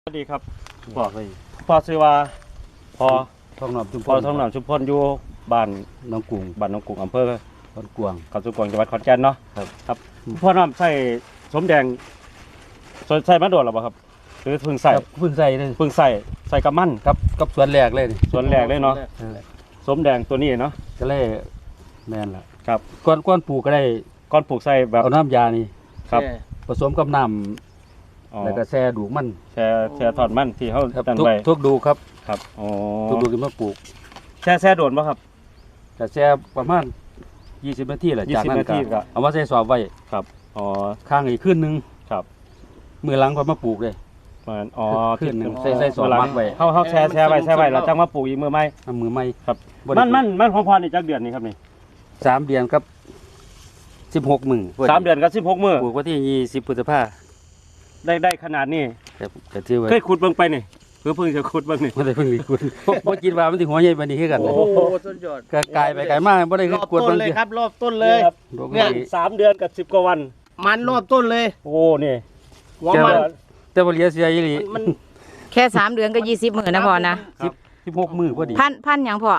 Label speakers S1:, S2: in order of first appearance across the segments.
S1: สวัสดีครับพ่อซื้อว่าพอ
S2: ท้องหนอมชุมพร
S1: ท้องหนองชุมพรอยู่บ้าน
S2: น้องกุ้ง
S1: อำเภอ
S2: พรกวาง
S1: เขาสุกวางจังหวัดขอนแก่นเนาะครับพ่อน้ำใส่สมแดงใส่มาโดดหรอเปล่าครับหรือเพิ่งใส่
S2: เลย
S1: เพิ่งใส่กับมัน
S2: กับสวนแรกเลย
S1: สวนแรกเลยเนาะสมแดงตัวนี้เนาะ
S2: ก็เลยแม่นละ
S1: ครับ
S2: ก้อนปลูกก็ได้
S1: ก้อนปลูกใส่แบบ
S2: เอาน้ำยานี่
S1: ครับ
S2: ผสมกับน้ำแล้วก็แช่ดูมัน
S1: แช่ทอดมันที่เขาตั้งไว้
S2: ทุกดูครับ
S1: อ๋อ
S2: ทุกดูกันมาปลูก
S1: แช่โดนป่ะครับ
S2: แต่แช่ประมาณ20 นาทีแหละจากนั้นก็เอามาใส่สอบไว้
S1: ครับอ๋อ
S2: ข้างอีกขึ้นนึง
S1: ครับ
S2: มือหลังก็มาปลูกเลย
S1: อ๋อ
S2: ขึ้นนึงใส่สอบมัดไว้
S1: เขาแช่ไว้แล้วจังมาปลูกอีกมือไม้ครับมันของพรอีกจักเดือนนี่ครับนี่
S2: 3 เดือนกับ16 มื้อ
S1: 3 เดือนกับ16 มื้อ
S2: ปลูกวันที่20 พฤษภาค
S1: มได้ขนาดนี้เคยขุดเบิ่งไปนี่เพิ่งจะขุดเบิ่งนี่
S2: ไม่ได้เพิ่งขุดบ่คิดว่ามันสิหัวใหญ่ปานนี้คือกัน
S3: โอ้โหสุดยอด
S2: ก็กลายไปไกลมากบ่ได้ขุด
S3: ต้นเลยครับรอบต้นเลย
S1: เนี่ย3 เดือนกับ10 กว่าวัน
S3: มันรอบต้นเลย
S1: โอ้นี่
S3: หัวมัน
S2: แต่บ่เหลือเสียอีหลี
S3: มัน
S4: แค่3 เดือนก็20 มื้อนะพ่อนะ
S2: 16 มื้อพอดี
S4: พันหยังพ่อ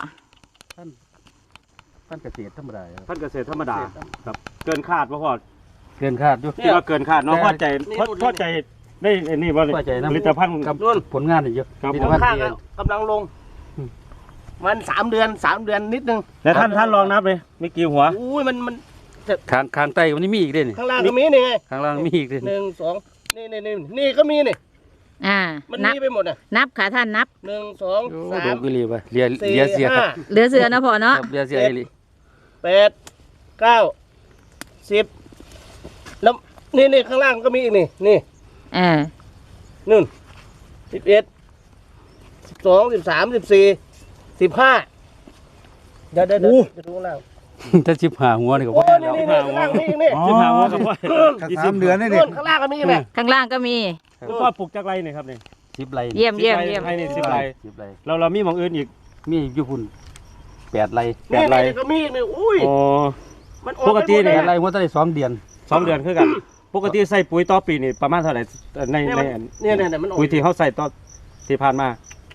S2: พันเกษตรธรรมดา
S1: พันเกษตรธรรมดาครับเกินคาดบ่พ่อ
S2: เกินคาดอยู่
S1: คิดว่าเกินคาดเนาะพอใจได้นี่บ่ผลิตภัณฑ์
S2: กับผลงานนี่เยอะ
S3: ผลิตภัณฑ์กำลังลงมัน3 เดือนนิดนึง
S1: แล้วท่านลองนับเลยมีกี่หัว
S3: อุ้ยมัน
S2: ข้างใต้มันมีอีกเด้นี่
S3: ข้างล่างก็มีนี่ไง
S2: ข้างล่างมีอีกเด้
S3: 1 2นี่ก็มีนี่มันมีไปหมดน่ะ
S4: นับค่ะท่านนับ
S3: 1 2 3
S2: ดูกิลีไปเหลือเสีย
S4: เหลือเสือนะพ่อเนาะ
S2: เหลือเสียอีหลี
S3: 8 9 10แล้วนี่ข้างล่างก็มีอีกนี่นู่น11 12 13 14 15จะดูข้างล่าง
S2: ถ้า15 หัวนี่ก็พอ
S3: แล้ว15 หัว
S1: 15 หัวกับพ่อ
S2: 3 เดือนนี่
S3: ข้างล่างก็มีไหม
S4: ข้างล่างก็มี
S1: พ่อปลูกจักไรนี่ครับนี่
S2: 10 ไร่
S4: เยี่ยม
S1: ให้นี่10 ไร่เรามีหม่องอื่นอีก
S2: มีอยู่พุ่น8 ไร่
S3: 8 ไร่ก็มีนี่อุ้ย
S1: มันปกตินี่
S2: 8 ไร่หัวตั้ง2 เดือน
S1: 2 เดือนคือกันปกติใส่ปุ๋ยต่อปีนี่ประมาณเท่าไหร่ใน
S3: มัน
S1: ปุ๋ยที่เขาใส่ต่อที่ผ่านมา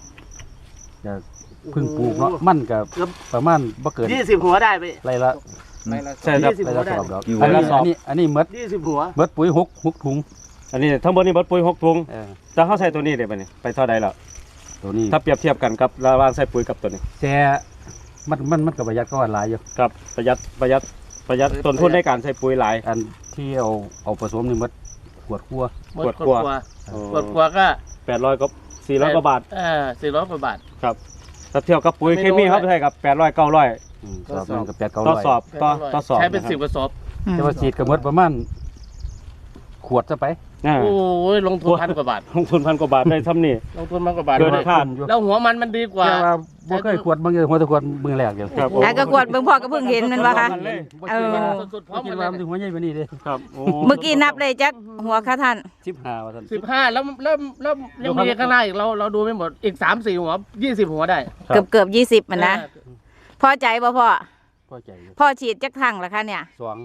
S2: เพิ่งปลูกเนาะมันก็ประมาณบ่เกิน
S3: 20 หัวได้ไป
S2: ไรละ
S1: ใช่ครับ
S2: ไรละสอบดอกอันนี้หมด
S3: 20 หัว
S2: หมดปุ๋ย6 ถุง
S1: อันนี้ทั้งหมดนี่หมดปุ๋ย6 ถุงแต่เขาใส่ตัวนี้ได้ป่ะนี่ไปเท่าใดแล้ว
S2: ตัวนี้
S1: ถ้าเปรียบเทียบกันกับระหว่างใส่ปุ๋ยกับตัวนี้
S2: แช่มันก็ประหยัดก็หลายอยู่
S1: ครับประหยัดต้นทุนในการใส่ปุ๋ยหลาย
S2: อันที่เอาผสมนี่หมดขวดกลัว
S3: ก็
S1: 800กับ400 กว่าบาท
S3: 400 กว่าบาท
S1: ครับถ้าเทียบกับปุ๋ยเคมีเขาใช้กับ800 900
S2: สอบกับ800
S1: ต่อสอบ
S3: ใช้เป็น10 กระสอบ
S2: แต่ว่าฉีดก็หมดประมาณขวดซะไป
S3: โอ้ยลงทุน1,000 กว่าบาท
S1: ลงทุน1,000 กว่าบาทได้ทำนี่
S3: ลงทุน1,000 กว่าบาท
S1: เกินคาด
S3: แล้วหัวมันดีกว่า
S2: บ่เคยขวดบางหัวตะขวดมือแรกอยู่
S1: ครับ
S4: แล้วก็ขวดเบิ่งพ่อก็เพิ่งเห็นมันว่าค่ะ
S3: สุดๆพร้อม
S2: คิดว่ามันถึงหัวใหญ่กว่านี้เด้
S1: ครับ
S4: เมื่อกี้นับได้จักหัวค่ะท่าน
S2: 15ว่าท่าน
S3: 15แล้วยังมีข้างหน้าอีกเราดูไม่หมดอีก3-4 หัว20 หัวได้
S4: เกือบ20มันนะพอใจบ่พ่อ
S2: พอใจ
S4: พ่อฉีดจักครั้งล่ะคะเนี่ย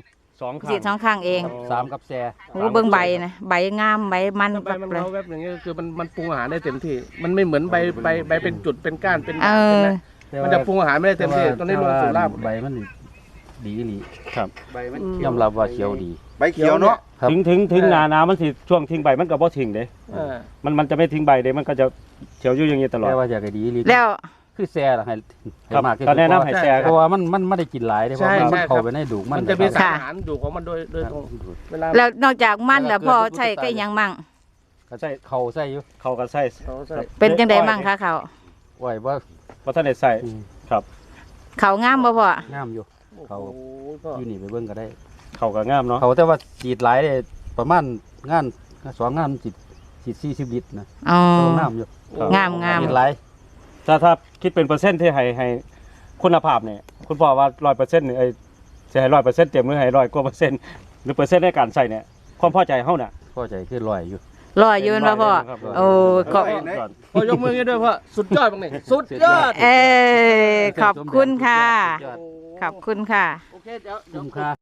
S1: 2
S4: ฉีด2 ครั้งเอง
S2: 3กับแซ่
S4: โอ้เบิ่งใบนะใบงามใบมัน
S3: แบบอย่างเงี้ยคือมันปรุงอาหารได้เต็มที่มันไม่เหมือนใบเป็นจุดเป็นก้านเป็นมันจะปรุงอาหารไม่ได้เต็มที่ตอนนี้ลงสู่ราก
S2: ใบมันดีหลี
S1: ครับ
S3: ใบมัน
S2: ยอมรับว่าเขียวดี
S3: ใบเขียวเนาะ
S1: ถึงหนามันสิช่วงทิ้งใบมันก็บ่ทิ้งเด้มันจะไม่ทิ้งใบเด้มันก็จะเขียวอยู่อย่างนี้ตลอด
S2: แต่ว่าอยากให้ดีหลี
S4: แล้ว
S2: คือแซ่ล่ะให้
S1: มากก็แนะนำให้แซ่
S2: เพราะว่ามันไม่ได้กินหลายเพราะมันเข้าไปในดู
S3: มันจะมีสารอาหารดูของมันโดยตรง
S4: แล้วนอกจากมันแล้วพ่อใช้ก็ยังมั่ง
S2: ก็ใส่เข่าใส่อยู่
S1: เข่าก็ใส่
S4: เป็นจังไดมั่งคะเข่า
S2: ไว้ว่า
S1: ท่านได้ใส่ครับ
S4: เข่างามบ่พ่อง
S2: ามอยู่เข่าอยู่นี่ไปเบิ่งก็ได้
S1: เข่าก็งามเนาะ
S2: เข่าแต่ว่าฉีดหลายได้ประมาณงาน2 งานฉีด40 ลิตรนะงามอยู่
S4: งาม
S2: ฉีดหลาย
S1: ถ้าคิดเป็นเปอร์เซ็นต์ที่ให้คุณภาพเนี่ยคุณพ่อว่า 100% นี่จะให้ 100% เต็มหรือให้100 กว่า%หรือเปอร์เซ็นต์ในการใส่เนี่ยความพอใจเฮาน่ะ
S2: พอใจคือ100อยู่
S4: นะพ่อโอ้
S3: ขอยกมือให้ด้วยพ่อสุดยอดบังนี่สุดยอด
S4: ขอบคุณค่ะขอบคุณค่ะ
S3: โอเคเดี๋ยว